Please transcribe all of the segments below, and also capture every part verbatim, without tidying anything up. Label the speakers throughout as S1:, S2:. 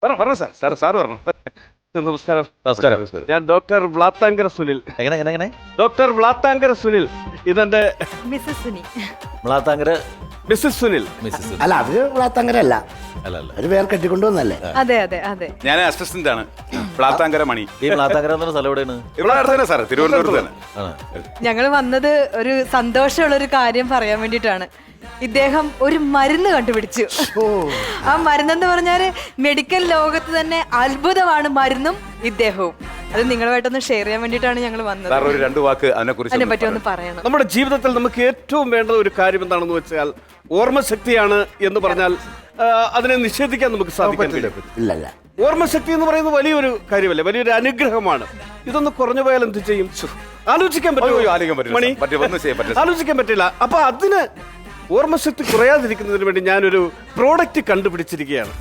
S1: പറഞ്ഞു പറഞ്ഞു sir sir sir പറഞ്ഞു. നമസ്കാരം.
S2: നമസ്കാരം.
S1: ഞാൻ ഡോക്ടർ വ്ളാത്താങ്കര സുനിൽ.
S2: എങ്ങനെ എങ്ങനെ എങ്ങനെ
S1: ഡോക്ടർ വ്ളാത്താങ്കര സുനിൽ. ഇതെന്റെ
S3: Mrs Suni.
S2: Mlathankara
S1: Mrs Sunil.
S2: Mrs
S4: അല്ല അവര് വ്ളാത്താങ്കരല്ല,
S2: അല്ല അല്ല
S4: അവര് വേറെ കെട്ടിക്കൊണ്ടുവന്നല്ലേ.
S3: അതെ അതെ അതെ.
S5: ഞാൻ അസിസ്റ്റന്റ് ആണ് പ്ലാത്താങ്കര മണി.
S2: ഈ മ്ലാത്താങ്കര എന്ന് പറഞ്ഞ സ്ഥലം എവിടെയാണ്?
S5: ഇവിടെ അടുത്ത് തന്നെ സാർ, തിരുവനന്തപുരത്ത് തന്നെ.
S2: ആണ്.
S3: ഞങ്ങൾ വന്നത് ഒരു സന്തോഷമുള്ള ഒരു കാര്യം പറയാൻ വേണ്ടിയിട്ടാണ്. ഇദ്ദേഹം ഒരു മരുന്ന് കണ്ടുപിടിച്ചു. ആ മരുന്നെന്ന് പറഞ്ഞാല് മെഡിക്കൽ ലോകത്ത് തന്നെ അത്ഭുതമാണ് മരുന്നും ഇദ്ദേഹവും. അത് നിങ്ങളുമായിട്ടൊന്ന് ഷെയർ ചെയ്യാൻ വേണ്ടിയിട്ടാണ് ഞങ്ങൾ വന്നത്.
S5: സാർ ഒരു രണ്ട് വാക്ക് അതിനെ
S3: അതിനെ പറ്റി
S5: കുറിച്ച്
S3: ഒന്ന് പറയണം.
S1: നമ്മുടെ ജീവിതത്തിൽ നമുക്ക് ഏറ്റവും വേണ്ട ഒരു കാര്യം എന്താണെന്ന് വെച്ചാൽ ഓർമ്മശക്തിയാണ് എന്ന് പറഞ്ഞാൽ ആ, അതിനെ നിഷേധിക്കാൻ നമുക്ക് സാധിക്കില്ല.
S4: ഇല്ലല്ല,
S1: ഓർമ്മശക്തി എന്ന് പറയുന്നത് വലിയൊരു കാര്യമല്ലേ, വലിയൊരു അനുഗ്രഹമാണ്. ഇതൊന്ന് കുറഞ്ഞു പോയാൽ എന്ത് ചെയ്യും? ആലോചിക്കാൻ
S5: അയ്യോ,
S1: പറ്റുമോ
S5: ആലോചിക്കാൻ പറ്റില്ല
S1: മണി?
S5: സാർ. പറ്റില്ല, ഒന്നും ചെയ്യാൻ പറ്റില്ല സാർ.
S1: ആലോചിക്കാൻ പറ്റില്ല. അപ്പൊ അതിന് ഓർമ്മശക്തി കുറയാതിരിക്കുന്നതിന് വേണ്ടി ഞാനൊരു പ്രോഡക്റ്റ് കണ്ടുപിടിച്ചിരിക്കുകയാണ്.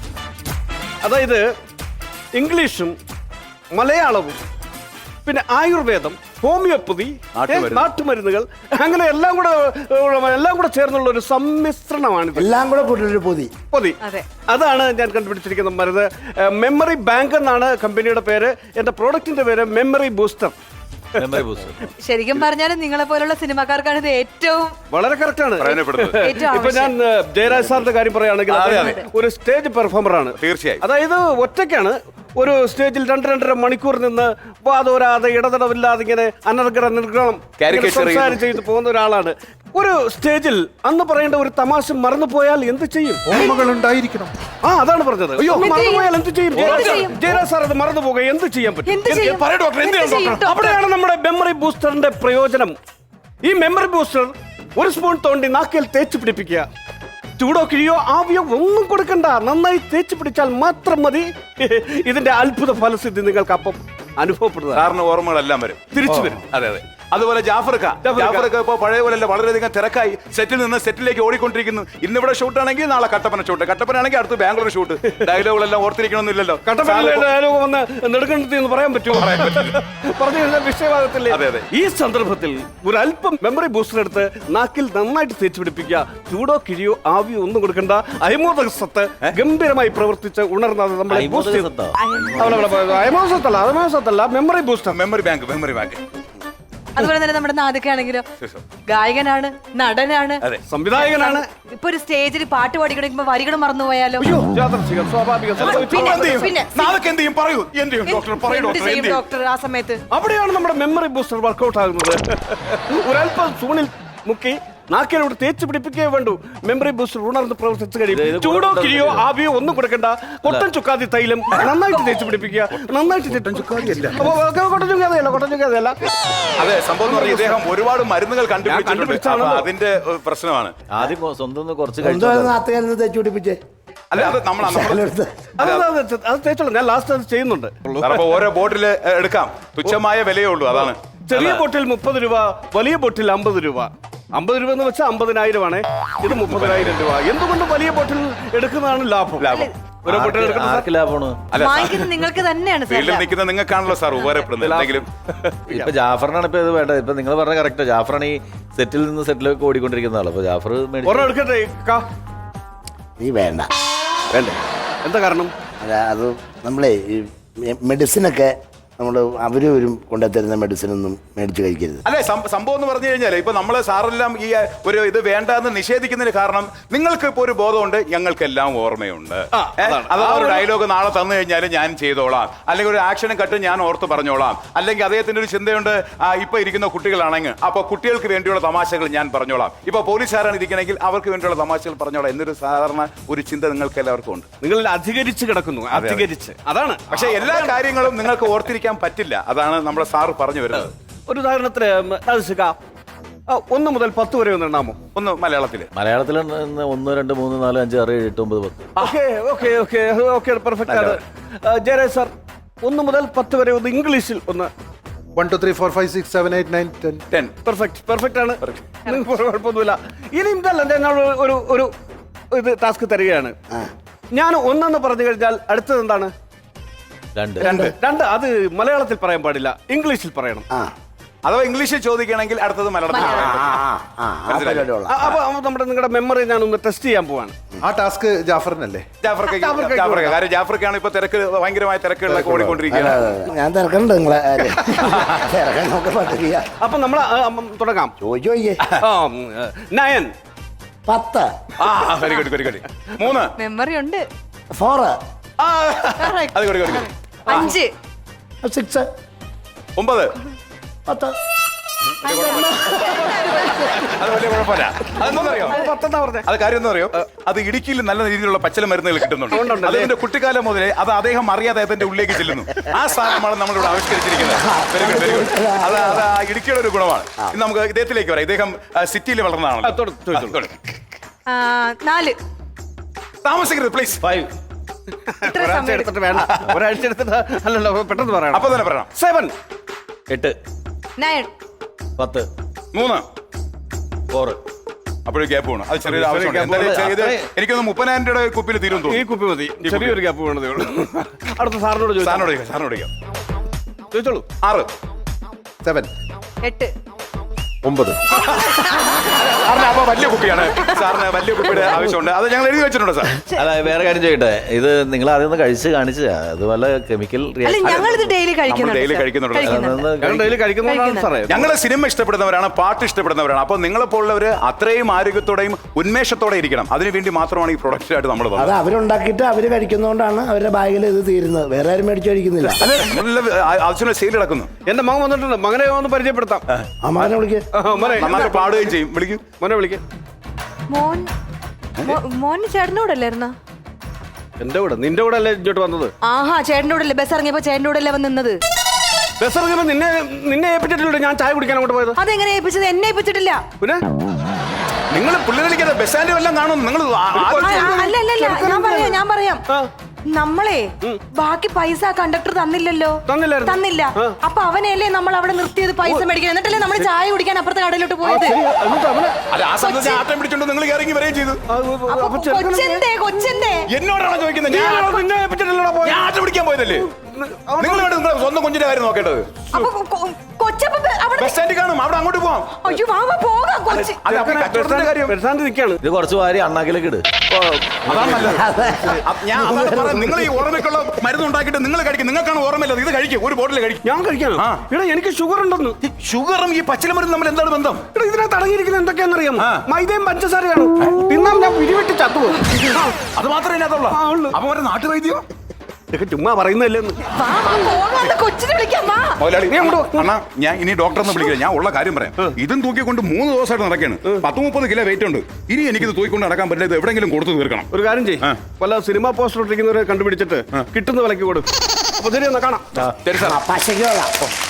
S1: അതായത് ഇംഗ്ലീഷും മലയാളവും പിന്നെ ആയുർവേദം, ഹോമിയോപ്പതി,
S5: നാട്ടുമരുന്ന്.
S1: നാട്ടുമരുന്നുകൾ, അങ്ങനെ എല്ലാം കൂടെ എല്ലാം കൂടെ ചേർന്നുള്ള ഒരു സമ്മിശ്രണമാണിത്.
S4: എല്ലാം കൂടെ കൂട്ടിയൊരു പൊതി.
S1: പൊതി.
S3: അതെ.
S1: അതാണ് ഞാൻ കണ്ടുപിടിച്ചിരിക്കുന്ന മരുന്ന്. മെമ്മറി ബാങ്ക് എന്നാണ് കമ്പനിയുടെ പേര്. എന്റെ പ്രോഡക്റ്റിന്റെ പേര് മെമ്മറി ബൂസ്റ്റർ.
S2: Memory booster.
S3: ശരിക്കും പറഞ്ഞാൽ നിങ്ങളെ പോലുള്ള സിനിമാക്കാർക്കാണ് ഇത് ഏറ്റവും
S1: വളരെ കറക്റ്റ് ആണ്.
S5: പ്രയോജനപ്പെടുന്നത്.
S3: ഏറ്റവും
S1: ഇപ്പൊ ഞാൻ
S3: ആവശ്യം.
S1: ഏഹ്, ജയരാജ് സാറിന്റെ കാര്യം പറയുകയാണെങ്കിൽ
S5: അതെ,
S1: അദ്ദേഹം ഒരു സ്റ്റേജ് പെർഫോമർ ആണ്.
S5: തീർച്ചയായും.
S1: അതായത് ഒറ്റയ്ക്കാണ് ഒരു സ്റ്റേജിൽ രണ്ട് രണ്ടര മണിക്കൂർ നിന്ന് വാതോരാതെ ഇടതടവില്ലാതെ ഇങ്ങനെ അനർഗള നിർഗളം
S5: Caricature
S1: സംസാരം ചെയ്ത് പോകുന്ന ഒരാളാണ്. ഒരു സ്റ്റേജിൽ അന്ന് പറയേണ്ട ഒരു തമാശ മറന്നു പോയാൽ എന്ത് ചെയ്യും?
S6: ഓർമ്മകൾ ഉണ്ടായിരിക്കണം.
S1: ആ അതാണ് പറഞ്ഞത്. അയ്യോ,
S3: എന്ത്
S1: മറന്നു
S3: ചെയ്യും?
S1: പോയാൽ എന്ത് ചെയ്യും?
S3: എന്ത്
S1: ജയരാജ്
S3: ചെയ്യും?
S1: ജയരാജ് സാർ അത് മറന്നു പോകുക എന്ത് ചെയ്യാൻ പറ്റും?
S3: എന്ത് ചെയ്യും?
S5: പറയൂ ഡോക്ടർ, എന്ത് ചെയ്യും
S3: ചെയ്യും
S5: ഡോക്ടർ?
S3: ഡോക്ടർ?
S1: അവിടെയാണ് നമ്മുടെ മെമ്മറി ബൂസ്റ്ററിന്റെ പ്രയോജനം. ഈ മെമ്മറി ബൂസ്റ്റർ ഒരു സ്പൂൺ തോണ്ടി നാക്കിൽ തേച്ച് പിടിപ്പിക്കുക. ചൂടോ കിഴിയോ ആവിയോ ഒന്നും കൊടുക്കണ്ട, നന്നായി തേച്ച് പിടിച്ചാൽ മാത്രം മതി. ഇതിന്റെ അത്ഭുത ഫലസിദ്ധി നിങ്ങൾക്ക് അപ്പം അനുഭവപ്പെടുന്നത്.
S5: സാറിന് ഓർമ്മകളെല്ലാം വരും,
S1: തിരിച്ചു വരും.
S5: അതെ അതെ. അതുപോലെ ജാഫർക്ക
S1: ജാഫർക്ക.
S5: ജാഫർക്ക ഇപ്പൊ പഴയ പോലെ അല്ല, വളരെയധികം തിരക്കായി സെറ്റിൽ നിന്ന് സെറ്റിലേക്ക് ഓടിക്കൊണ്ടിരിക്കുന്നു. ഇന്നിവിടെ ഷൂട്ട് ആണെങ്കിൽ നാളെ കട്ടപ്പന ഷൂട്ട്, കട്ടപ്പന ആണെങ്കിൽ അടുത്ത് ബാംഗ്ലൂർ ഷൂട്ട്. ഡയലോഗുകളെല്ലാം ഓർത്തിരിക്കണമെന്നില്ലല്ലോ.
S1: കട്ടപ്പനയിലെ ഡയലോഗ് വന്ന് നെടുങ്കണ്ടത്തി എന്ന് പറയാൻ പറ്റുമോ? പറഞ്ഞു കഴിഞ്ഞാൽ വിഷയവാദത്തില്ലേ?
S5: അതെ, അതെ.
S1: ഈ സന്ദർഭത്തിൽ ഒരു അല്പം മെമ്മറി ബൂസ്റ്റർ എടുത്ത് നാക്കിൽ നന്നായിട്ട് തേച്ച് പിടിപ്പിക്കുക. ചൂടോ കിഴിയോ ആവിയോ ഒന്നും കൊടുക്കണ്ട. അയമോദക സത്ത് ഗംഭീരമായി പ്രവർത്തിച്ച് ഉണർന്നത് നമ്മളെ ബൂസ്റ്റ് ചെയ്തു.
S2: സത്താ.
S1: അയമോദസത്തല്ല അയമോദസത്തല്ല memory booster.
S5: Memory bank memory bank
S3: അതുപോലെ തന്നെ നമ്മുടെ നാദക്കാണെങ്കിലോ ഗായകനാണ്, നടനാണ്,
S5: അതെ.
S1: സംവിധായകനാണ്.
S3: ഇപ്പൊ ഒരു സ്റ്റേജിൽ പാട്ട് പാടിക്കണമെങ്കിൽ വരികൾ മറന്നുപോയാലോ?
S1: അയ്യോ, യാദൃച്ഛികം, സ്വാഭാവികം.
S3: പിന്നെ,
S5: എന്ത് ചെയ്യും?
S3: പിന്നെ.
S5: നാളേക്ക് എന്ത് ചെയ്യും? പറയൂ. എന്ത് ചെയ്യും ഡോക്ടർ? പറയൂ
S3: എന്ത്
S5: ഡോക്ടർ,
S3: ചെയ്യും
S5: എന്ത് ചെയ്യും?
S3: ഡോക്ടർ ആ സമയത്ത്?
S1: അവിടെയാണ് നമ്മുടെ മെമ്മറി ബൂസ്റ്റർ വർക്കൗട്ട് ആകുന്നത്. ഒരല്പം സൂണിൽ മുക്കി നാക്കിലോട് തേച്ച് പിടിപ്പിക്കേ വേണ്ടു. മെമ്മറി ബൂസ്റ്റർ ഉണർന്ന് പ്രവർത്തിച്ചു
S2: ഇത്
S1: കഴിയും.
S2: ഇത്
S1: ചൂടോ
S2: കൊടുത്ത
S1: കിഴിയോ ആവിയോ ഒന്നും കൊടുക്കണ്ട. കൊട്ടൻ ചുക്കാതി തൈലം നന്നായിട്ട് തേച്ച് പിടിപ്പിക്കുക. നന്നായിട്ട് കൊട്ടൻ ചുക്കാതിയല്ല, കൊട്ടൻ ചുക്കാതിയല്ല.
S5: അതെ, സംഭവം എന്ന് പറഞ്ഞാൽ ഇദ്ദേഹം ഒരുപാട് മരുന്നുകൾ കണ്ടുപിടിച്ചിട്ടുണ്ട്.
S1: കണ്ടുപിടിച്ചാണല്ലോ.
S5: അപ്പൊ അതിന്റെ ഒരു പ്രശ്നമാണ്.
S2: ആദ്യം കൊ- സ്വന്തം ഒന്ന് കുറച്ച്
S4: എന്തോ
S2: കഴിച്ചു.
S4: നാത്തുകാരന് തേച്ച് പിടിപ്പിച്ചേ.
S5: അല്ല, അത് നമ്മൾ
S4: ശകലെടുത്ത്.
S1: അത് അത് അത് അത് തേച്ചോളൂ. ഞാൻ ലാസ്റ്റ് അത് ചെയ്യുന്നുണ്ട്.
S5: അപ്പൊ ഓരോ ബോട്ടിൽ എടുക്കാം, തുച്ഛമായ വിലയേ ഉള്ളൂ. അതാണ്
S1: ചെറിയ ബോട്ടിൽ മുപ്പത് രൂപ, വലിയ ബോട്ടിൽ അമ്പത് രൂപ. അമ്പത് രൂപ എന്ന് വെച്ചാൽ അമ്പതിനായിരം ആണ്. ഇത് മുപ്പതിനായിരം രൂപ. എന്തുകൊണ്ട് വലിയ ബോട്ടിൽ എടുക്കുന്നതാണ് ലാഭം.
S5: ലാഭം.
S1: ഓരോ ബോട്ടിൽ
S2: ആർക്ക്
S1: എടുക്കുന്ന
S2: ആർക്ക് ലാഭമാണ്?
S5: അല്ല,
S3: വാങ്ങിക്കുന്നത് നിങ്ങൾക്ക് തന്നെയാണ് സാർ.
S5: ഫീൽഡിൽ നിൽക്കുന്ന നിങ്ങൾക്കാണല്ലോ സാർ ഉപകാരപ്പെടുന്നത്. എന്തെങ്കിലും
S2: ഇപ്പൊ ജാഫറിനാണ് ഇപ്പൊ ഇത് വേണ്ടത്. ഇപ്പൊ നിങ്ങൾ പറഞ്ഞ കറക്റ്റ്. ജാഫറാണ് ഈ സെറ്റിൽ നിന്ന് സെറ്റിലേക്ക് ഓടിക്കൊണ്ടിരിക്കുന്ന ആള്. അപ്പൊ ജാഫർ മേടിച്ചു.
S1: ഒരെണ്ണം എടുക്കട്ടെ കാ?
S4: നീ വേണ്ട.
S1: വേണ്ടേ? എന്താ കാരണം?
S4: അല്ല, അത് നമ്മളെ ഈ മെഡിസിനൊക്കെ നമ്മൾ അവരും ഒരു കൊണ്ടുത്തരുന്ന മെഡിസിനൊന്നും മേടിച്ച് കഴിക്കരുത്.
S5: അല്ലെ, സംഭവം എന്ന് പറഞ്ഞു കഴിഞ്ഞാൽ ഇപ്പൊ നമ്മള് സാറെല്ലാം ഈ ഒരു ഇത് വേണ്ട എന്ന് നിഷേധിക്കുന്നതിന് കാരണം നിങ്ങൾക്ക് ഇപ്പൊ ഒരു ബോധമുണ്ട്, ഞങ്ങൾക്കെല്ലാം ഓർമ്മയുണ്ട്.
S1: ആ,
S5: ഏ?
S1: അതാണ്.
S5: അഥവാ
S1: ആ
S5: ഒരു
S1: ഒരു-
S5: ഡയലോഗ് നാളെ തന്നു കഴിഞ്ഞാൽ ഞാൻ ചെയ്തോളാം, അല്ലെങ്കിൽ ഒരു ആക്ഷനും കട്ട് ഞാൻ ഓർത്ത് പറഞ്ഞോളാം, അല്ലെങ്കിൽ അദ്ദേഹത്തിന്റെ ഒരു ചിന്തയുണ്ട്, ആ, ഇപ്പൊ ഇരിക്കുന്ന കുട്ടികളാണെങ്കിൽ അപ്പൊ കുട്ടികൾക്ക് വേണ്ടിയുള്ള തമാശകൾ ഞാൻ പറഞ്ഞോളാം, ഇപ്പൊ പോലീസുകാരാണ് ഇരിക്കണമെങ്കിൽ അവർക്ക് വേണ്ടിയുള്ള തമാശകൾ പറഞ്ഞോളാം എന്നൊരു സാധാരണ ഒരു ചിന്ത നിങ്ങൾക്ക് എല്ലാവർക്കും ഉണ്ട്.
S1: നിങ്ങൾ അധികരിച്ച് കിടക്കുന്നു. അധികരിച്ച് അതാണ്.
S5: പക്ഷെ എല്ലാ കാര്യങ്ങളും നിങ്ങൾക്ക് ഓർത്തിരിക്കാൻ പറ്റില്ല. അതാണ് നമ്മുടെ സാറ് പറഞ്ഞു വരുന്നത്.
S1: ഒരു ഉദാഹരണത്തിന് അത് ശിഖ, ആ, ഒന്ന് മുതൽ പത്ത് വരെ ഒന്ന് എണ്ണാമോ?
S5: ഒന്ന് മലയാളത്തില്.
S2: മലയാളത്തിൽ ഒന്ന് രണ്ട് മൂന്ന് നാല് അഞ്ച് ആറ് ഏഴ് എട്ട് ഒമ്പത് പത്ത്.
S1: Okay okay okay okay perfect ആണ്. ആ, ജയരാജ് സാർ, ഒന്ന് മുതൽ പത്ത് വരെ ഒന്ന് ഇംഗ്ലീഷിൽ ഒന്ന്.
S6: One two three four five six seven eight nine ten.
S5: Ten.
S1: Perfect perfect ആണ്. നിങ്ങൾക്ക് കുഴപ്പമൊന്നുമില്ല. ഇനി ഇതല്ല, ഞാൻ ഒരു ഒരു ഇത് ടാസ്ക് തരികയാണ്. ഞാൻ ഒന്നെന്ന് പറഞ്ഞു കഴിഞ്ഞാൽ അടുത്തത് എന്താണ്?
S2: രണ്ട്
S5: രണ്ട്.
S1: രണ്ട്. അത് മലയാളത്തിൽ പറയാൻ പാടില്ല, ഇംഗ്ലീഷിൽ പറയണം.
S4: ആ
S5: അഥവാ ഇംഗ്ലീഷിൽ ചോദിക്കുകയാണെങ്കിൽ അടുത്തത് മലയാളത്തിൽ
S4: ആ,
S5: പറയാം.
S4: ആ, ആ, ആ പരിപാടി കൊള്ളാം.
S1: അപ്പൊ നമ്മുടെ നിങ്ങളുടെ മെമ്മറി ഞാനൊന്ന് ടെസ്റ്റ് ചെയ്യാൻ പോവാണ്.
S6: ആ ടാസ്ക് ജാഫറിനല്ലേ?
S5: ജാഫർക്ക്
S1: ജാഫർക്ക്
S5: ജാഫർക്ക് കാരണം ജാഫർക്കാണ് ഇപ്പൊ തിരക്ക് ഭയങ്കരമായ തിരക്കുകളിലൊക്കെ ഓടിക്കൊണ്ടിരിക്കുകയാണ്.
S4: അതെ, അതെ. ഞാൻ തിരക്കണ്ട് നിങ്ങളെ കാര്യം. തിരക്കാൻ നമുക്ക് പറ്റില്ല.
S1: അപ്പൊ നമ്മൾ തുടങ്ങാം.
S4: ചോദിച്ചു നോക്കിയേ.
S1: നയൻ.
S4: പത്ത്.
S5: ആ വെരി ഗുഡ് വെരി ഗുഡ്. മൂന്ന്.
S3: മെമ്മറി ഉണ്ട്.
S4: ഫോറ്.
S5: ആ, അത് കൊടു കൊടു
S3: അഞ്ച്.
S4: സിക്സ്.
S5: ഒമ്പത്.
S4: പത്ത്.
S5: അത് വലിയ കുഴപ്പമില്ല. അതെന്താണെന്നറിയോ?
S1: പത്തെന്നാ പറഞ്ഞേ.
S5: അത് കാര്യം എന്താ അറിയോ? അത് ഇടുക്കിയിൽ നല്ല രീതിയിലുള്ള പച്ചല മരുന്നുകൾ കിട്ടുന്നുണ്ട്. അതിന്റെ കുട്ടിക്കാലം മുതലേ അത് അദ്ദേഹം അറിയാതെ അതിന്റെ ഉള്ളിലേക്ക് ചെല്ലുന്നു. ആ സാധനമാണ് നമ്മളിവിടെ ആവിഷ്കരിച്ചിരിക്കുന്നത്. Very good very good. അത് അത് ആ ഇടുക്കിയുടെ ഒരു ഗുണമാണ്. ഇന്ന് നമുക്ക് ഇദ്ദേഹത്തിലേക്ക് വരാം. ഇദ്ദേഹം സിറ്റിയിൽ വളർന്നതാണല്ലോ.
S1: തൊടു, തൊടു, തൊടു.
S3: ആ, നാല്.
S5: താമസിക്കരുത് പ്ലീസ്.
S2: ഫൈവ്.
S3: ഇത്ര
S1: ഒരാഴ്ച
S3: സമയം
S1: എടുത്തിട്ട് വേണ്ട. ഒരാഴ്ച എടുത്തിട്ട് അല്ലല്ലോ, പെട്ടെന്ന് പറയണം.
S5: അപ്പൊ തന്നെ പറയണം.
S1: സെവൻ.
S2: എട്ട്.
S3: നയൻ.
S2: പത്ത്.
S5: മൂന്ന്.
S2: ഫോറ്.
S5: അപ്പോഴും ഗ്യാപ്പ് വേണം. അത് ചെറിയൊരു
S1: ചെറിയ
S5: ആവശ്യമുണ്ട്.
S1: gap
S5: എന്തായാലും
S2: വേണം.
S5: ഇത്
S2: അത്രേ-
S5: എനിക്കൊന്ന് മുപ്പതിനായിരം രൂപയുടെ കുപ്പിയിൽ തീരും
S1: ഈ
S5: തോന്നുന്നു.
S1: കുപ്പി മതി. ചെറിയൊരു ഗ്യാപ്പ് വേണ്ടതേ ഉള്ളൂ. അടുത്ത സാറിനോട് ചോദിച്ചാൽ
S5: സാറിനോട് ചോദിക്കാം, സാറിനോട് ചോദിക്കാം.
S1: ചോദിച്ചോളൂ.
S5: ആറ്.
S6: സെവൻ.
S3: എട്ട്.
S6: ഒമ്പത്.
S5: സാറിന് അപ്പൊ വലിയ കുപ്പിയാണ്. സാറിന് വലിയ കുപ്പിയുടെ ആവശ്യമുണ്ട്. അത് ഞങ്ങൾ എഴുതി വെച്ചിട്ടുണ്ട് സാർ.
S2: അല്ല വേറെ കാര്യം ചോദിക്കട്ടെ, ഇത് നിങ്ങൾ ആദ്യം ഒന്ന് കഴിച്ച് കാണിച്ചതാ, അത് വല്ല കെമിക്കൽ
S3: അല്ല ഞങ്ങൾ ഇത് ഡെയിലി
S5: നമ്മൾ ഡെയിലി കഴിക്കുന്നുണ്ട്.
S1: ഞങ്ങൾ ഡെയിലി കഴിക്കുന്നതാണ് സാറേ.
S5: ഞങ്ങൾ സിനിമ ഇഷ്ടപ്പെടുന്നവരാണ്, പാട്ട് ഇഷ്ടപ്പെടുന്നവരാണ്. അപ്പൊ നിങ്ങളെപ്പോലുള്ളവര് അത്രയും ആരോഗ്യത്തോടെയും ഉന്മേഷത്തോടെ ഇരിക്കണം. അതിനുവേണ്ടി മാത്രമാണ് ഈ പ്രൊഡക്റ്റ് ആയിട്ട് നമ്മൾ
S4: അത്
S5: വന്നത്.
S4: അവരുണ്ടാക്കിയിട്ട് അവര് കഴിക്കുന്നതുകൊണ്ടാണ് അവരുടെ ബാഗിൽ ഇത് തീരുന്നത്. വേറെ ആരും മേടിച്ചു കഴിക്കുന്നില്ല.
S5: നല്ല ആവശ്യമുള്ള സെയിൽ നടക്കുന്നു.
S1: എന്റെ മകൻ വന്നിട്ടുണ്ട്. മകനെ ഒന്ന് പരിചയപ്പെടുത്താം.
S4: അമ്മാനെ വിളിക്ക്.
S1: ആ, മോനെ
S5: നന്നായിട്ട് പാടുകയും ചെയ്യും. വിളിക്കും.
S1: മോനെ വിളിക്കാം.
S3: മോൻ മോ- മോൻ ചേട്ടൻ്റെ കൂടെ അല്ലായിരുന്ന?
S1: എന്റെ കൂടെ നിന്റെ കൂടെ അല്ലേ ഇങ്ങോട്ട് വന്നത്?
S3: ആഹാ, ചേട്ടൻ്റെ കൂടെ അല്ലേ ബസ് ഇറങ്ങിയപ്പോ ചേട്ടൻ്റെ കൂടെ അല്ലേ വന്ന് നിന്നത്?
S1: ബസ് ഇറങ്ങിയപ്പോ നിന്നെ നിന്നെ ഏൽപ്പിച്ചിട്ടില്ല ഞാൻ ചായ കുടിക്കാൻ അങ്ങോട്ട് പോയത്.
S3: അതെങ്ങനെ ഏൽപ്പിച്ചത്? എന്നെ ഏൽപ്പിച്ചിട്ടില്ല.
S1: പിന്നെ
S5: നിങ്ങൾ പുള്ളികളിക്കാതെ ബസ് സ്റ്റാൻഡ് വല്ലതും കാണും. നിങ്ങൾ
S3: ആ, ആ, അല്ല അല്ല അല്ല ഞാൻ പറയാം ഞാൻ പറയാം
S1: ആ.
S3: നമ്മളെ ബാക്കി പൈസ കണ്ടക്ടർ തന്നില്ലല്ലോ.
S1: തന്നില്ലായിരുന്നു.
S3: തന്നില്ല. അപ്പൊ അവനെയല്ലേ നമ്മൾ അവിടെ നിർത്തിയത് പൈസ മേടിക്കാൻ. എന്നിട്ടല്ലേ നമ്മൾ ചായ കുടിക്കാൻ അപ്പുറത്തെ കടയിലോട്ട് പോയത്.
S1: എന്നിട്ട് അവനെ
S5: അല്ല ആ സമയത്ത് ആട്ടം പിടിച്ചോണ്ട് നിങ്ങൾ ഇറങ്ങി വരികയും ചെയ്തു.
S1: ആ,
S3: അപ്പൊ
S1: അപ്പൊ ചെറുക്കനെ
S3: കൊച്ചെന്തേ കൊച്ചെന്തേ
S5: എന്നോടാണോ ചോദിക്കുന്നത്?
S1: നീ
S5: ഞാൻ
S1: ആണോ നിന്നെ ഏൽപ്പിച്ചിട്ടില്ലടാ പോയത്?
S5: ഞാൻ ആട്ടം പിടിക്കാൻ പോയതല്ലേ. നിങ്ങൾ വേണ്ട നിങ്ങളെ സ്വന്തം കുഞ്ഞിന്റെ കാര്യം നോക്കേണ്ടത്.
S3: അപ്പൊ കൊ- കൊ- കൊച്ചപ്പ അവിടെ
S5: ബസ് സ്റ്റാൻഡിൽ കാണും. അവിടെ അങ്ങോട്ട് പോവാം.
S3: അയ്യോ വാ വാ, പോകാം കൊച്ചി.
S5: അത് അപ്പൊ ഈ കച്ചവടത്തിന്റെ കാര്യം.
S1: പെരുസാന്തി നിൽക്കാണ്.
S2: ഇത് കുറച്ച് വാരി അണ്ണാക്കിലേക്ക് ഇട്.
S5: അതാണ് നല്ലത്. അപ്പ ഞാൻ അതാണ് പറയുന്നത്. നിങ്ങൾ ഈ ഓർമ്മയ്ക്കുള്ള മരുന്ന് ഉണ്ടാക്കിയിട്ട് നിങ്ങൾ കഴിക്കും. നിങ്ങൾക്കാണ് ഓർമ്മയില്ലത്. ഇത് കഴിക്കും. ഒരു ബോട്ടിൽ കഴിക്കും.
S1: ഞാൻ കഴിക്കാനോ?
S5: ആ.
S1: ഇവിടെ എനിക്ക് ഷുഗർ ഉണ്ടെന്ന്.
S5: ഷുഗറും ഈ പച്ചില മരുന്ന് തമ്മിൽ എന്താണ് ബന്ധം?
S1: ഇവിടെ ഇതിനകത്ത് അടങ്ങിയിരിക്കുന്നത് എന്തൊക്കെയാണെന്നറിയാമോ?
S5: ആ.
S1: മൈദയും പഞ്ചസാരയാണ്. തിന്നാൻ ഞാൻ പിരിവെട്ടി ചത്തുപോകും.
S5: അത് മാത്രമേ ഇതിനകത്തുള്ളൂ.
S1: ആ, ഉള്ളു.
S5: അപ്പൊ ഒരു നാട്ടുവൈദ്യോ
S1: ഇതൊക്കെ ചുമ്മാ പറയുന്നല്ലേ.
S3: വാ വാ, പോകാം. കൊച്ചിനെ വിളിക്കാം വാ.
S5: മുതലാളി
S1: നീ അങ്ങോട്ട് വാ.
S5: അണ്ണാ ഞാൻ ഇനി ഡോക്ടറെ ഒന്ന് വിളിക്കില്ല. ഞാൻ ഉള്ള കാര്യം പറയാം. ഇതും തൂക്കിക്കൊണ്ട് മൂന്ന് ദിവസമായിട്ട് നടക്കുകയാണ്. പത്ത് മുപ്പത് കിലോ വെയിറ്റ് ഉണ്ട്. ഇനി എനിക്കിത് തൂക്കിക്കൊണ്ട് നടക്കാൻ പറ്റില്ല. ഇത് എവിടെയെങ്കിലും കൊടുത്തു തീർക്കണം.
S1: ഒരു കാര്യം ചെയ്യ്.
S5: ആ.
S1: വല്ല സിനിമ പോസ്റ്റർ ഇട്ടിരിക്കുന്നവരെ കണ്ടുപിടിച്ചിട്ട് കിട്ടുന്ന വിലക്ക് കൊടുക്കും. അപ്പൊ ശരി എന്നാ കാണാം.
S5: ശരി സാർ.
S4: പശയ്ക്കോളാം.